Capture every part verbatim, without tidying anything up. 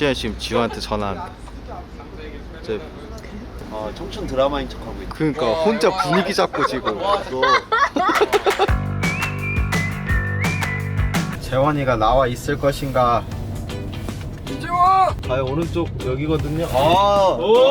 시현 지금 지호한테 전화합니다. 이제 어, 청춘 드라마인 척하고 있네. 그러니까 혼자 분위기 잡고 지금. 재원이가 나와 있을 것인가? 이재원! 아 오른쪽 여기거든요. 아, 오!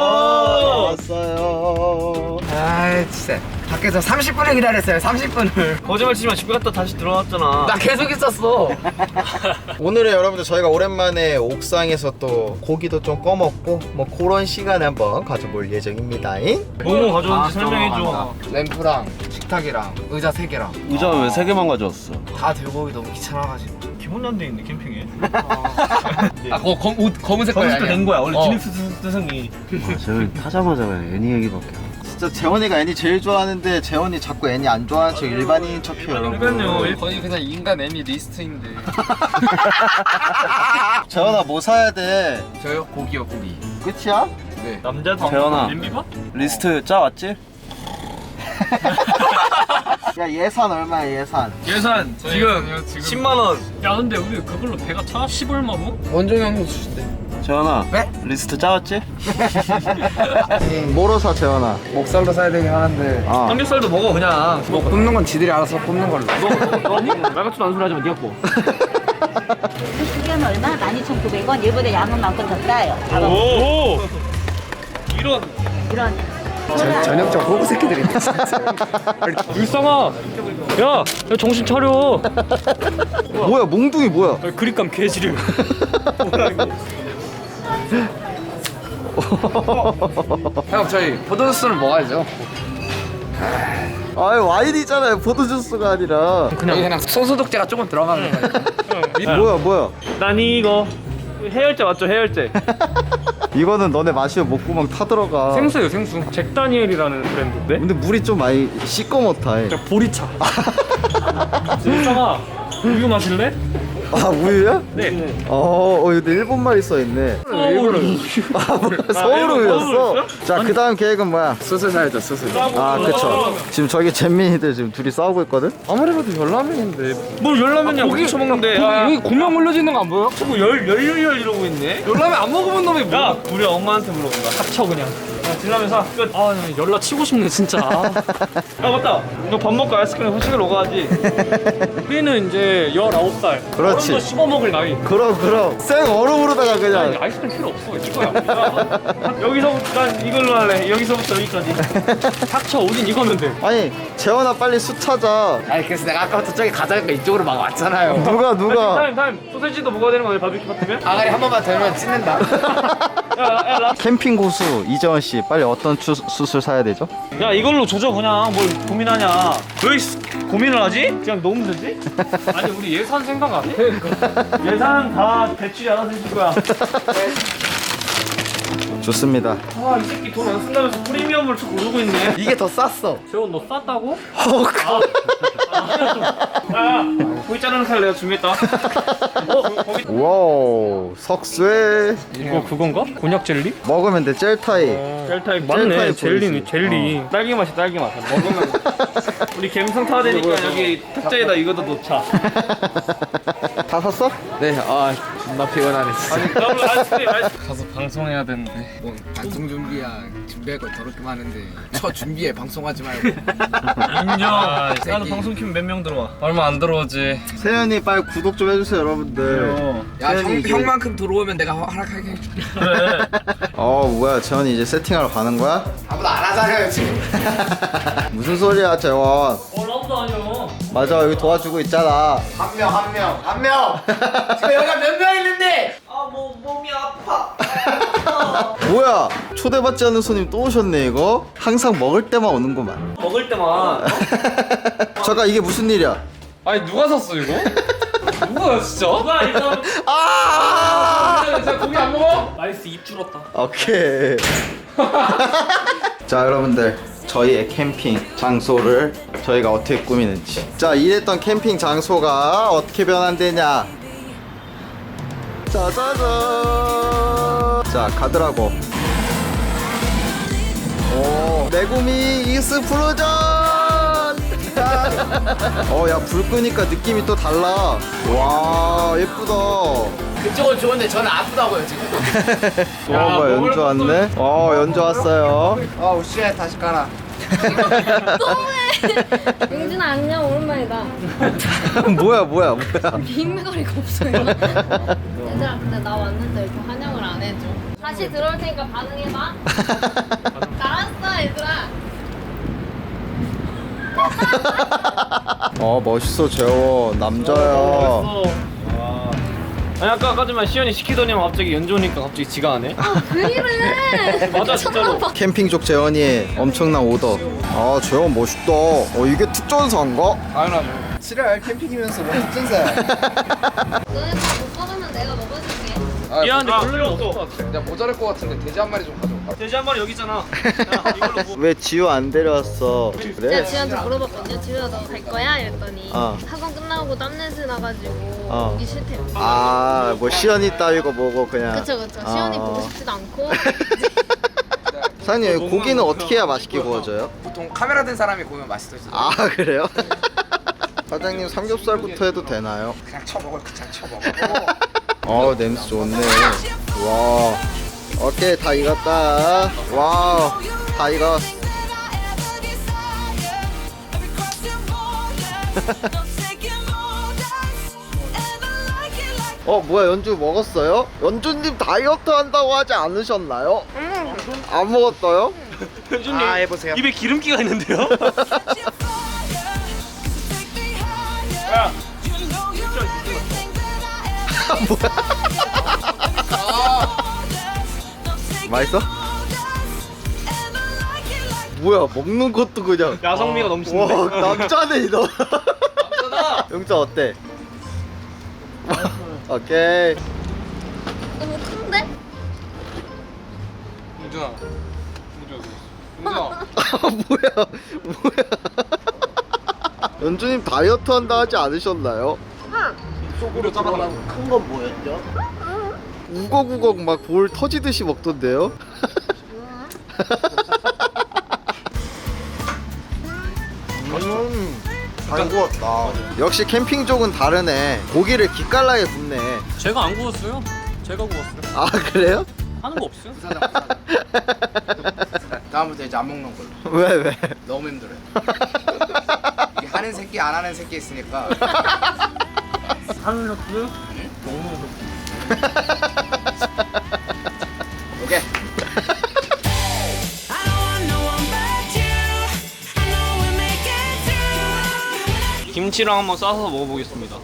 왔어요. 아 진짜 밖에서 삼십 분을 기다렸어요. 삼십 분을. 거짓말 치지마. 집에 갔다 다시 들어왔잖아. 나 계속 있었어. 오늘은 여러분들 저희가 오랜만에 옥상에서 또 고기도 좀 꺼먹고 뭐 그런 시간을 한번 가져볼 예정입니다. 뭐뭐 가져온지 설명해줘. 램프랑 식탁이랑 의자 세 개랑 의자 왜 세 개만 가져왔어? 다 들고 오기 너무 귀찮아가지고. 기본이 안 돼 있네 캠핑에. 아 그거 검, 옷 검은색 거야. 검은색 된 거야. 원래 어. 기능스승이. 아, 저희 타자마자 왜 애니 얘기밖에. 진짜 재원이가 애니 제일 좋아하는데 재원이 자꾸 애니 안 좋아하는 척 일반인인 척해요. 그러니까요. 거의 그냥 인간 애니 리스트인데. 재원아 뭐 사야 돼? 저요? 고기요 고기. 끝이야? 네. 남자 재현아. 엠비바? 리스트 짜왔지? 야 예산 얼마야 예산? 예산 지금 지금 십만 원. 야 근데 우리 그걸로 배가 차? 십 얼마고? 원종이 형님 주신대. 재현아. 네? 리스트 짜왔지? 뭐로 사 재원아? 목살로 사야 되긴 하는데 아 삼겹살도 먹어 그냥. 뭐 굽는 건 지들이 알아서 굽는 걸로. 너니? 말 같지도 않은 소리 하지 마. 니가 고. 두 개는 얼마? 만 이천구백 원. 얘보다 양은 만큼 더 싸요. 잡아. 오. 이런. 이런. 전형적 호구 새끼들이. 불쌍아. 야, 야 정신 차려. 뭐야 몽둥이 뭐야? 그립감 개지름. 형 저희 포도주스를 먹어야죠. 아유 와인이잖아요 포도주스가 아니라. 그냥 그냥 손소독제가 조금 들어가는 거예요. 뭐야 뭐야? 난 이거 해열제 맞죠? 해열제. 이거는 너네 마시면 목구멍 타들어가. 생수예요, 생수. 잭 다니엘이라는 브랜드인데. 근데 물이 좀 많이 시꺼멓다. 진짜 보리차. 불쌍아. 우유 마실래? 아 우유야? 네. 어, 어 근데 일본말이 써있네. 서울 우유. 아 뭐야 서울 서울 우유였어? 우유였어? 자 그 다음 계획은 뭐야? 수술 사야죠 수술. 아 그쵸. 지금 저기 잼민이들 지금 둘이 싸우고 있거든? 아무리 봐도 열라면인데. 뭘 열라면이야? 고기 쳐먹는데. 여기 고명 올려지는 거 안 보여? 자꾸 열, 열열열 이러고 있네. 열라면 안 먹어본 놈이 뭐야? 야, 우리 엄마한테 물어본다. 닥쳐 그냥. 야, 진라면 사. 끝. 아, 열라 치고 싶네 진짜. 야 맞다. 너 밥 먹고 아이스크림 후식으로 가야지. 우리는 이제 열아홉 살. 그렇지. 그런 거 씹어 먹을 나이. 그럼 그럼 생 얼음으로다가 아니, 그냥. 아이스크림 필요 없어. 이거야. 야, 여기서부터 난 이걸로 할래. 여기서부터 여기까지. 닥쳐. 우린 이거면 돼. 아니 재원아 빨리 수 찾아. 아니 그래서 내가 아까부터 저기 가자니까 이쪽으로 막 왔잖아요. 누가 누가? 타임 타임. 소세지도 먹어야 되는 거야 바비큐 같으면? 아가리 한 번만 덜면 찢는다. 야, 야, 라. 캠핑 고수 이재원 씨 빨리 어떤 추, 수술 사야 되죠? 야 이걸로 조져 그냥 뭘 고민하냐. 왜 씨, 고민을 하지? 그냥 넣으면 되지? 아니 우리 예산 생각 안 해? 예산 다 대출이 알아서 해줄 거야. 좋습니다. 아 이 새끼 돈 안 쓴다면서 프리미엄을 쭉 오르고 있네. 이게 더 쌌어. 재원 너 쌌다고? 야 고기 자르는 칼 내가 준비했다. 어? 거기 와우 석쇠 이거 그건가? 곤약 젤리? 먹으면 돼 젤타이. 젤타입 젤타입 맞네. 젤리네 보이지? 젤리. 딸기 맛이 딸기 맛. 먹으면 우리 갬성 타야 되니까 여기 탁자에다 이거도 놓자. 다 샀어? 네, 아 존나 피곤하네 진짜. 아니 더블 아이스크림 아이스크림. 가서 방송해야 되는데. 뭐 방송 준비야. 준비할 거 더럽게 많은데. 첫 준비에 방송하지 말고. 인정. 아, 나도 방송 키면 몇 명 들어와? 얼마 안 들어오지. 세연이 빨리 구독 좀 해주세요 여러분들. 야 세연이 형, 이제- 형만큼 들어오면 내가 허락하게 해줄게. 그래. 어 뭐야 재원이 이제 세팅하러 가는 거야? 아무도 안 하잖아요 지금. 무슨 소리야 재원? 어 나보다 아니요. 맞아 여기 도와주고 있잖아. 한 명 한 명 한 명. 지금 여기가 몇 명 있는데? 아뭐 몸이 아파. 뭐야 초대받지 않는 손님 또 오셨네 이거? 항상 먹을 때만 오는구만. 먹을 때만. 잠깐 이게 무슨 일이야? 아니 누가 샀어 이거? 누가 진짜? 누가 일단 아 진짜 고기 안 먹어? 나이스 입 줄었다. 오케이. 자 여러분들 저희의 캠핑 장소를 저희가 어떻게 꾸미는지. 자 이랬던 캠핑 장소가 어떻게 변환되냐. 짜자잔. 자 가더라고. 오 메구미 익스플로전. 어야 불 끄니까 느낌이 또 달라. 와 예쁘다. 그쪽은 좋은데 저는 아프다고요 지금. 어, 뭐 연주 왔네? 어, 연주 왔어요. 어우 쉣 다시 깔아. 너무해. 용진아 안녕 오랜만이다. 뭐야, 뭐야, 뭐야. 빈매거리가 없어요. 얘들아 근데 나 왔는데 이렇게 환영을 안 해줘. 다시 들어올 테니까 반응해봐. 알았어 얘들아. 어, 멋있어, 재원. 남자야. 아니 아까 아까지만 시연이 시키더니만 갑자기 연주 오니까 갑자기 지가 안 해? 왜 이래? 맞아 진짜로. 캠핑족 재원이 엄청난 오더. 아, 재원 멋있다. 어, 이게 특전사인가? 당연하죠. 칠월 캠핑이면서 뭐 특전사야. 너네 다 못 먹으면 내가 먹어줄게. 미안한데 별로 없어. 야 모자랄 것 같은데 돼지 한 마리 좀 가져올까? 돼지 한 마리 여기 있잖아. 야, 이걸로 뭐. 왜 지우 안 데려왔어? 내가 그래? 지우한테 물어봤거든요. 지우야 너 갈 거야? 이랬더니 어. 학원 끝나고 땀냄새 나가지고 어. 오기 싫대요. 아, 뭐 시연이 따위고 뭐고 그냥. 그쵸 그쵸. 시연이 어. 보고 싶지도 않고. 사장님, 여기 고기는 어떻게 해야 맛있게 구워져요? 보통 카메라 든 사람이 구우면 맛있어지죠. 아, 그래요? 사장님, 삼겹살부터 해도 되나요? 그냥 쳐먹어 그냥 쳐먹어. 어, 냄새 좋네. 와. 오케이, 다 익었다. 와우, 다 익었어. 어, 뭐야, 연주 먹었어요? 연주님 다이어트 한다고 하지 않으셨나요? 안 먹었어요? 현준님 아, 해보세요. 입에 기름기가 있는데요? 야, 맛있어? 뭐야, 먹는 것도 그냥. 야성미가 넘치는데. 와, 남자네, 너. 남자다. 영자 어때? 오케이. 너무 큰데? 우준아. 우준아. 뭐야, 뭐야. 연주님 다이어트 한다 하지 않으셨나요? 속으로 들어가고. 큰 건 뭐였죠? 우걱우걱 막 볼 터지듯이 먹던데요? 음, 잘 구웠다. 역시 캠핑족은 다르네. 고기를 기깔나게 굽네. 제가 안 구웠어요. 제가 구웠어요. 아, 그래요? 하는 거 없어요. 다음부터 이제 안 먹는 걸로. 왜, 왜? 너무 힘들어요. 이게 하는 새끼 안 하는 새끼 있으니까. 하는 것도 먹는 것도. 오케이. 김치랑 한번 싸서 먹어보겠습니다.